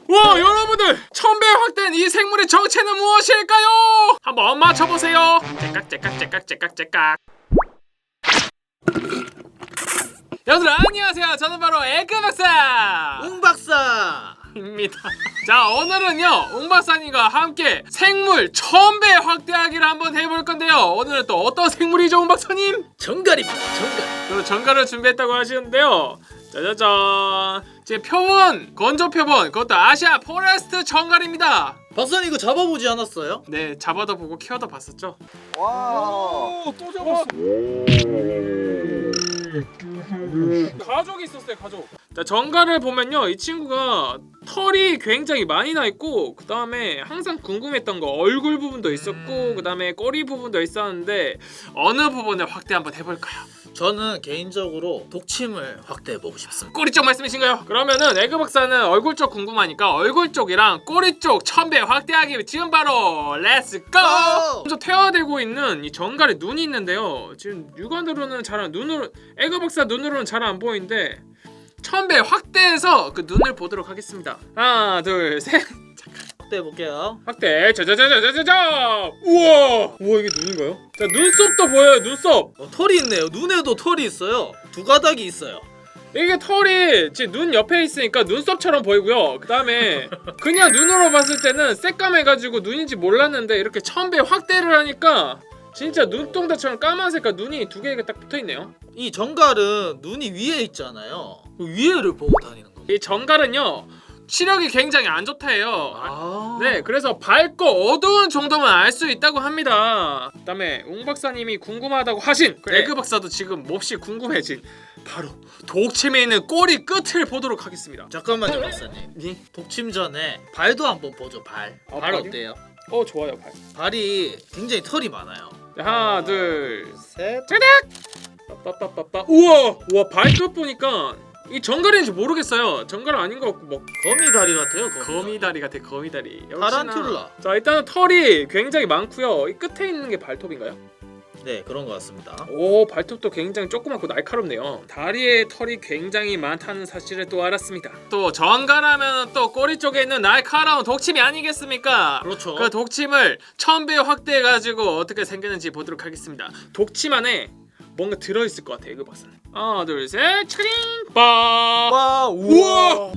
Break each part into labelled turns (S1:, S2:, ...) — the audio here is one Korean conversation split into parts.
S1: 와, 여러분들, 1000배 확대된 이 생물의 정체는 무엇일까요? 한번 맞춰보세요. 째깍. 여러분들 안녕하세요. 저는 바로 에그박사
S2: 웅박사입니다.
S1: 자, 오늘은요 웅박사님과 함께 생물 1000배 확대하기를 한번 해볼 건데요. 오늘은 또 어떤 생물이죠, 웅박사님?
S2: 정갈입니다. 정갈.
S1: 그리고 정갈을 준비했다고 하시는데요. 짜자잔, 제 표본, 건조 표본, 그것도 아시아 포레스트 정갈입니다.
S2: 박사님 이거 잡아보지 않았어요?
S1: 네, 잡아도 보고 키워도 봤었죠.
S3: 와.
S1: 또 잡았어. 가족이 있었어요, 가족. 자, 정갈을 보면요, 이 친구가 털이 굉장히 많이 나 있고, 그 다음에 항상 궁금했던 거 얼굴 부분도 있었고, 그 다음에 꼬리 부분도 있었는데 어느 부분을 확대 한번 해볼까요?
S2: 저는 개인적으로 독침을 확대해보고 싶습니다.
S1: 꼬리 쪽 말씀이신가요? 그러면은 에그 박사는 얼굴 쪽 궁금하니까 얼굴 쪽이랑 꼬리 쪽 1000배 확대하기 지금 바로 렛츠 고! 먼저 퇴화되고 있는 이 정갈의 눈이 있는데요. 지금 육안으로는 에그 박사 눈으로는 잘 안 보이는데 1000배 확대해서 그 눈을 보도록 하겠습니다. 하나, 둘, 셋.
S2: 확대해볼게요.
S1: 확대. 자자자자자자자. 우와 이게 눈인가요? 자, 눈썹도 보여요. 눈썹.
S2: 털이 있네요. 눈에도 털이 있어요. 두 가닥이 있어요.
S1: 이게 털이 제 눈 옆에 있으니까 눈썹처럼 보이고요. 그 다음에 그냥 눈으로 봤을 때는 새까매가지고 눈인지 몰랐는데 이렇게 1000배 확대를 하니까 진짜 눈동자처럼 까만색깔 눈이 두 개가 딱 붙어있네요.
S2: 이 정갈은 눈이 위에 있잖아요. 그 위에를 보고 다니는 겁니다.
S1: 이 정갈은요 시력이 굉장히 안 좋다해요.
S2: 아.
S1: 네, 그래서 밝고 어두운 정도만 알 수 있다고 합니다. 그 다음에 웅 박사님이 궁금하다고 하신 그
S2: 네.
S1: 에그 박사도 지금 몹시 궁금해진 바로 독침에 있는 꼬리 끝을 보도록 하겠습니다.
S2: 잠깐만요, 박사님.
S1: 예?
S2: 독침 전에 발도 한번 보죠. 발. 발
S1: 발이요?
S2: 어때요?
S1: 좋아요. 발.
S2: 발이 굉장히 털이 많아요.
S1: 자, 하나, 둘,
S2: 셋.
S1: 빠빠빠빠. 우와 발끝 보니까 이 정갈인지 모르겠어요. 정갈 아닌 것 같고 뭐
S2: 거미 다리 같아요.
S1: 거미다리 같아. 거미다리.
S2: 타란툴라.
S1: 자, 일단은 털이 굉장히 많고요. 이 끝에 있는 게 발톱인가요?
S2: 네, 그런 것 같습니다.
S1: 오, 발톱도 굉장히 조그맣고 날카롭네요. 다리에 털이 굉장히 많다는 사실을 또 알았습니다. 또 정갈하면 또 꼬리 쪽에 있는 날카로운 독침이 아니겠습니까?
S2: 그렇죠.
S1: 그 독침을 1000배 확대해가지고 어떻게 생겼는지 보도록 하겠습니다. 독침 안에 뭔가 들어있을 것 같아요, 이거 박사는. 하나, 둘, 셋, 차링! 빠!
S2: 와,
S1: 우와!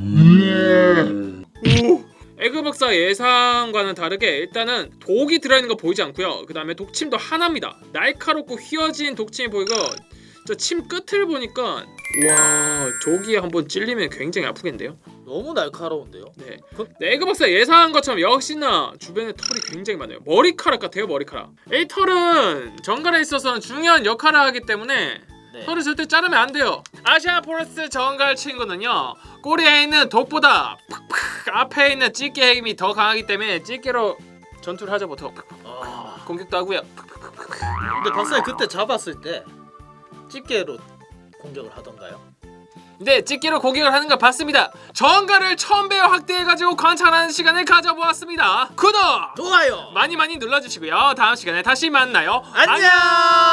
S1: 에그 박사 예상과는 다르게 일단은 독이 들어있는 거 보이지 않고요. 그 다음에 독침도 하나입니다. 날카롭고 휘어진 독침이 보이고, 저 침 끝을 보니까 와, 저기에 한번 찔리면 굉장히 아프겠는데요.
S2: 너무 날카로운데요.
S1: 네. 에그 박사 예상한 것처럼 역시나 주변에 털이 굉장히 많아요. 머리카락 같아요, 머리카락. 이 털은 정갈에 있어서는 중요한 역할을 하기 때문에
S2: 네.
S1: 털을 절대 자르면 안 돼요. 아시아 포레스트 정갈 친구는요, 꼬리에 있는 독보다 팍팍 앞에 있는 찌개 힘이 더 강하기 때문에 찌개로 전투를 하죠. 보통 공격도 하고요.
S2: 근데 박사님 그때 잡았을 때 집게로 공격을 하던가요?
S1: 네, 찌개로 공격을 하는 걸 봤습니다. 정갈을 1000배 확대해가지고 관찰하는 시간을 가져보았습니다. 구독!
S2: 좋아요.
S1: 많이 눌러주시고요. 다음 시간에 다시 만나요.
S2: 안녕.